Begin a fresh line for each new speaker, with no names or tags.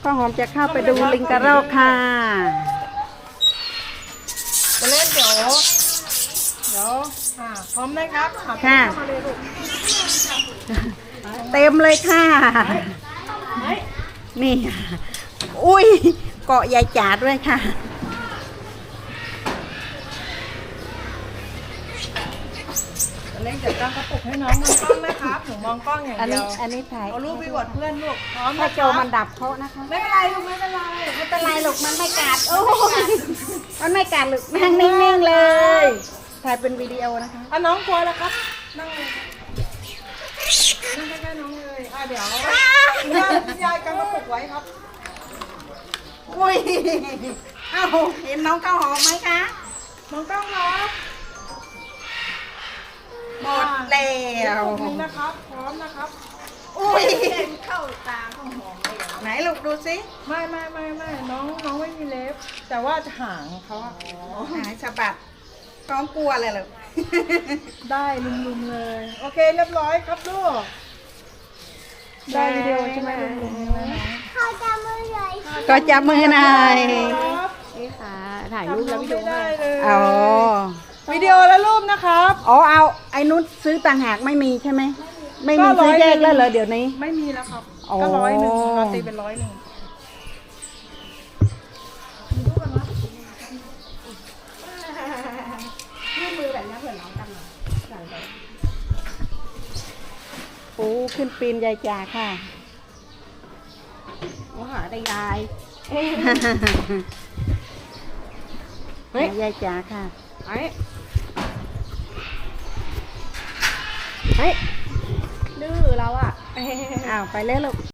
ข้าวหอมจะเข้าไปดูลิงกระรอกค่ะ
จะเล่นเดี๋ยวพร้อมนะครับ
ค่ะ
เข้ามาเลยลูก
เต็มเลยค่ะ นี่อุ้ยเกาะยายจ๋าด้วยค่ะ
จะเล่นเดี๋ยวตั้งกระปุกให้น้องมองกล้องนะครับหนูมองกล้องอย่างเดียว
อันนี้ถ่าย
เอารูปไปอวดเพื่อนลูกพร้อม
ถ้า
นะ
โจมันดับเพราะนะคะ
ไม่เป็นไรลูกไม่เป็นไร
ไม่เป็นไรหรอกมันไม่กัดโอ้ยมันไม่กัดหรอกนั่งนิ่งๆเลย ถ่ายเป็นวิดีโอนะคะ
อ่ะน้องกลัวแล้วครับนั่งเลยนั่งใกล้ๆน้องเลยเดี๋ยวคุณยายกำกระปุกไว้ครับ
อุ้ยเอ้าเห็นน้องข้าวหอมไหมคะ
มองกล้องครับ
หมดแล้
กระ
ว
ปุกนี้นะครับพร้อมนะครับ
อุ้ย
เข้าตาข้าวหอมเลย
ไหนลูกดูสิ
ไม่น้องไม่มีเล็บแต่ว่าหางเขาอะ
หายสะบัดน้องกลัวเลยเหรอ
ได้ลุมๆเลย โอเคเรียบร้อยครับลูกได้วิดีโอใช่ไหมลุมๆเลยนะ
เขาจะมือใหญ่
ก็จับมือหน่อย
ครับ
นี่ค่ะ ถ่ายรูปแล้ววิดีโอ
ไม่ได้เลย
อ๋อ
วิดีโอและรูปนะครับ
อ๋อเอาไอ้นุชซื้อต่างหากไม่มีใช่ไหมไม่มีซื้อแยกแล้วเหรอเดี๋ยวนี้
ไม่มีแล้วครับ
อ๋อ
ก็101เราตีเป็น101
ยื่นมือแบบนี้เผื่อน้องกันหน่อยโอ้ขึ้นปีนยายจ่าค่ะโอ้หาได้ยายเฮ้ยยายจ๋าค่ะเฮ้ยดื้อเราอ่ะอ้าวไปเลยลูก